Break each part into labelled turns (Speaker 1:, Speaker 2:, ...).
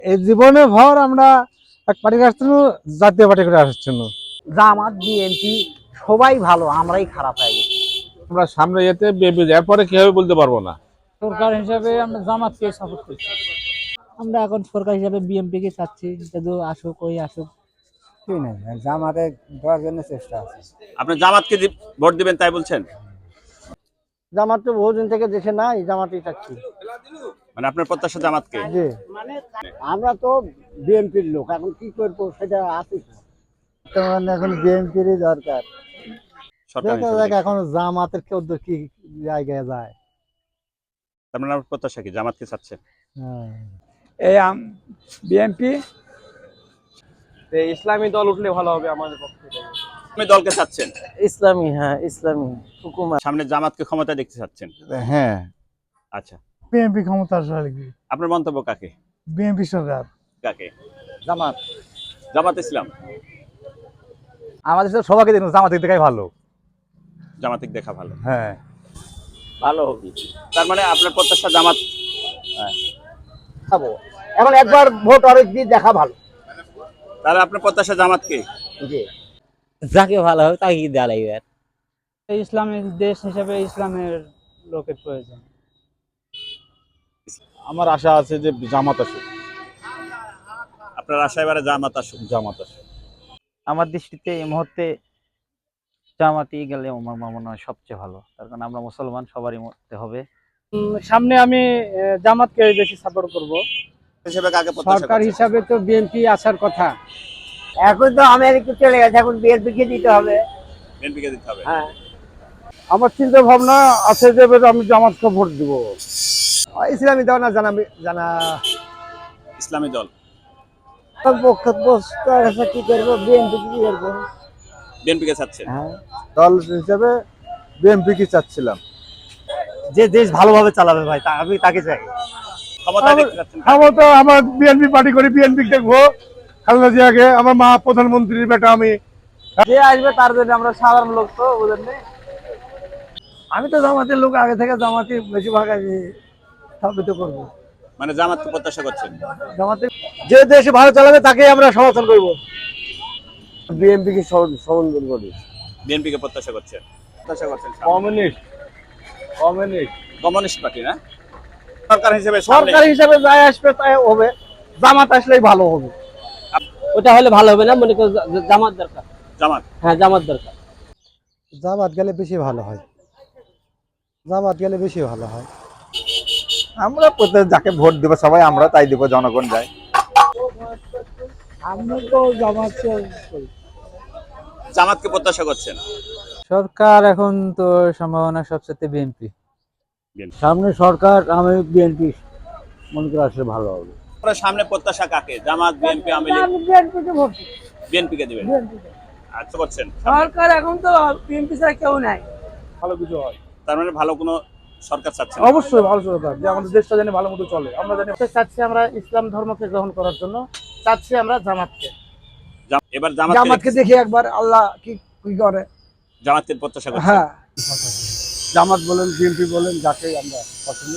Speaker 1: এই জীবনে ভর আমরা এক পার্টির আসছি জাতীয় পার্টি করে আসার জন্য।
Speaker 2: জামাত বিএনপি সবাই ভালো, আমরাই খারাপ হয়ে গেছি।
Speaker 3: আমরা সামনে যেতে বিএনপি এরপরে কি হবে বলতে পারবো না।
Speaker 4: সরকার হিসাবে আমরা জামাতকে সাপোর্ট করছি। আমরা এখন সরকার হিসাবে বিএনপি কে চাচ্ছি, যদি আসুক ওই আসুক।
Speaker 1: কি না জামাতে দেওয়ার জন্য চেষ্টা আছে।
Speaker 5: আপনি জামাতকে ভোট দিবেন তাই বলছেন?
Speaker 2: জামাত তো বহুদিন থেকে দেশে নাই, জামাতই চাচ্ছি।
Speaker 5: মানে আপনার প্রত্যাশা জামাতকে?
Speaker 2: জি, আমরা তো বিএনপির লোক, এখন কি করবো সেটা আছে।
Speaker 1: এখন বিএনপিরই দরকার।
Speaker 5: সরকার
Speaker 1: দেখা
Speaker 5: হিসেবে
Speaker 1: যাক এখন জামাতের কেউ কি জায়গায় যায়।
Speaker 5: তার মানে আপনার প্রত্যাশা কি জামাতকে চাচ্ছেন?
Speaker 4: এই বিএনপি
Speaker 6: ইসলামী দল উঠলে ভালো হবে আমাদের পক্ষে।
Speaker 5: আপনি দলকে চাচ্ছেন?
Speaker 2: ইসলামী, হ্যাঁ ইসলামী হুকুমত।
Speaker 5: সামনে জামাতকে ক্ষমতা দেখতে চাচ্ছেন?
Speaker 1: হ্যাঁ,
Speaker 5: আচ্ছা,
Speaker 1: বিএনপি ক্ষমতা আসলে
Speaker 5: আপনার মন্তব্য কাকে?
Speaker 1: বিএনপি সরকার।
Speaker 5: কাকে?
Speaker 2: জামাত।
Speaker 5: জামাত ইসলাম।
Speaker 1: আমাদের সাথে সবাইকে দেখুন জামাত দেখাই ভালো।
Speaker 5: জামাতিক দেখা ভালো।
Speaker 1: হ্যাঁ,
Speaker 5: ভালো হবে। তার মানে আপনার প্রত্যাশা জামাত।
Speaker 2: এখন একবার ভোট অনেক দিয়ে দেখা ভালো।
Speaker 5: তাহলে আপনার প্রত্যাশা জামাতকে?
Speaker 2: জি, যাকে ভালো হবে তাকে দেওয়া লাগবে।
Speaker 4: ইসলামের দেশ হিসেবে ইসলামের লোকের প্রয়োজন।
Speaker 3: আমার আশা আছে যে জামাত আসুক।
Speaker 5: আপনার আশা এবারে জামাত আসুক?
Speaker 3: জামাত আসুক।
Speaker 7: আমার দৃষ্টিতে এই মুহূর্তে জামাতি গেলে আমার মনে হয় সবচেয়ে ভালো, তার কারণ আমরা মুসলমান, সবারই মতে হবে।
Speaker 4: সামনে আমি জামাতকে বেশি সাপোর্ট করব।
Speaker 5: হিসেবে কাকে প্রত্যাশা
Speaker 4: সরকার
Speaker 5: করছেন?
Speaker 4: হিসাবে তো বিএনপি আসার কথা।
Speaker 2: এখন তো আমেরিকা চলে গেছে, এখন বিএনপি কে দিতে হবে।
Speaker 5: বিএনপিকে দিতে হবে।
Speaker 2: হ্যাঁ,
Speaker 1: আমার চিন্তা ভাবনা আছে যে আমি জামাতকে ভোট দিব। ইসলামী দল না জানা
Speaker 5: ইসলামী দল।
Speaker 2: পক্ষে কি করবো, বিএনপি কি করবো।
Speaker 5: বিএনপিকে চাচ্ছেন?
Speaker 1: দল হিসেবে বিএনপি কি চাচ্ছিলাম।
Speaker 2: যে দেশ ভালোভাবে চালাবে ভাই, আমি তাকে চাই।
Speaker 5: ক্ষমতা দেখতে চাচ্ছেন?
Speaker 1: তো আমার বিএনপি পার্টি করি, বিএনপি দেখবো। খালেদা জিয়াকে আমার মা প্রধানমন্ত্রীর বেটা আমি।
Speaker 2: যে আসবে তার জন্য আমরা সাধারণ লোক তো বুঝেন।
Speaker 1: আমি তো জামাতের লোক, আগে থেকে জামাতি বেশিরভাগ স্থাপিত করবো।
Speaker 5: মানে জামাতকে প্রত্যাশা করছেন?
Speaker 1: জামাতে যে দেশ ভালো চালাবে তাকে আমরা সমর্থন করবো। বিএনপি কি সমর্থন করি।
Speaker 5: বিএনপিকে প্রত্যাশা করছেন? প্রত্যাশা করছেন কমিউনিস্ট পার্টি না? সরকার হিসেবে
Speaker 2: সরকার হিসাবে যাই আসবে তাই হবে, জামাত আসলেই ভালো হবে। ওটা হলে ভালো হবে না, মনে করো জামাত দরকার।
Speaker 5: জামাত?
Speaker 2: হ্যাঁ, জামাত দরকার।
Speaker 1: জামাত গেলে বেশি ভালো হয়। জামাত গেলে বেশি ভালো হয়। আমরা যাকে ভোট দেবো সবাই আমরা তাই দেবো, জনগণ যায়।
Speaker 4: আমরা তো জামাতকে
Speaker 5: জামাতকে প্রত্যাশা করছেন?
Speaker 7: সরকার এখন তো সম্ভাবনা সবচেয়ে বিএনপি।
Speaker 2: সামনে সরকার, আমি বিএনপি মনে করে আসলে ভালো হবে।
Speaker 5: আপনার সামনে প্রত্যাশা কাকে? জামাত, বিএনপি, আওয়ামী লীগ? বিএনপিকে দিবেন? আচ্ছা, করছেন।
Speaker 4: সরকার এখন তো বিএনপি ছাড়া কেউ নাই।
Speaker 1: ভালো কিছু হয়।
Speaker 5: তার মানে ভালো কোনো সরকার চাচ্ছেন?
Speaker 1: অবশ্যই ভালো সরকার, যে আমাদের দেশটা যেন ভালো মতো চলে। আমরা জানি
Speaker 2: চাচ্ছি আমরা ইসলাম ধর্মকে গ্রহণ করার জন্য, চাচ্ছি আমরা জামাতকে।
Speaker 5: এবার
Speaker 1: জামাতকে দেখি একবার আল্লাহ কি করে।
Speaker 5: জামাতকে প্রত্যাশা করছেন?
Speaker 1: হ্যাঁ, জামাত বলেন বিএনপি বলেন, যাকে আমরা পছন্দ।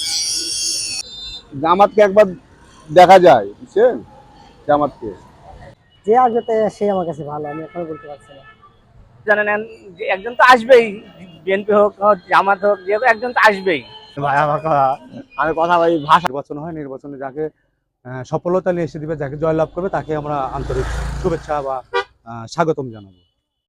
Speaker 1: জামাতকে একবার দেখা যায়, বুঝছেন? জামাতকে
Speaker 2: যে আসবে তাই সে আমার কাছে ভালো, আমি এখন বলতে পারছি না। জানেন যে একজন তো আসবেই, বিএনপি হোক জামাত হোক, যে একজন তো আসবেই।
Speaker 1: ভাই আমি কথা বলি, ভাষা নির্বাচন হয়, নির্বাচনে যাকে সফলতা নিয়ে এসে দিবে, যাকে জয়লাভ করবে তাকে আমরা আন্তরিক শুভেচ্ছা বা স্বাগতম জানাবো।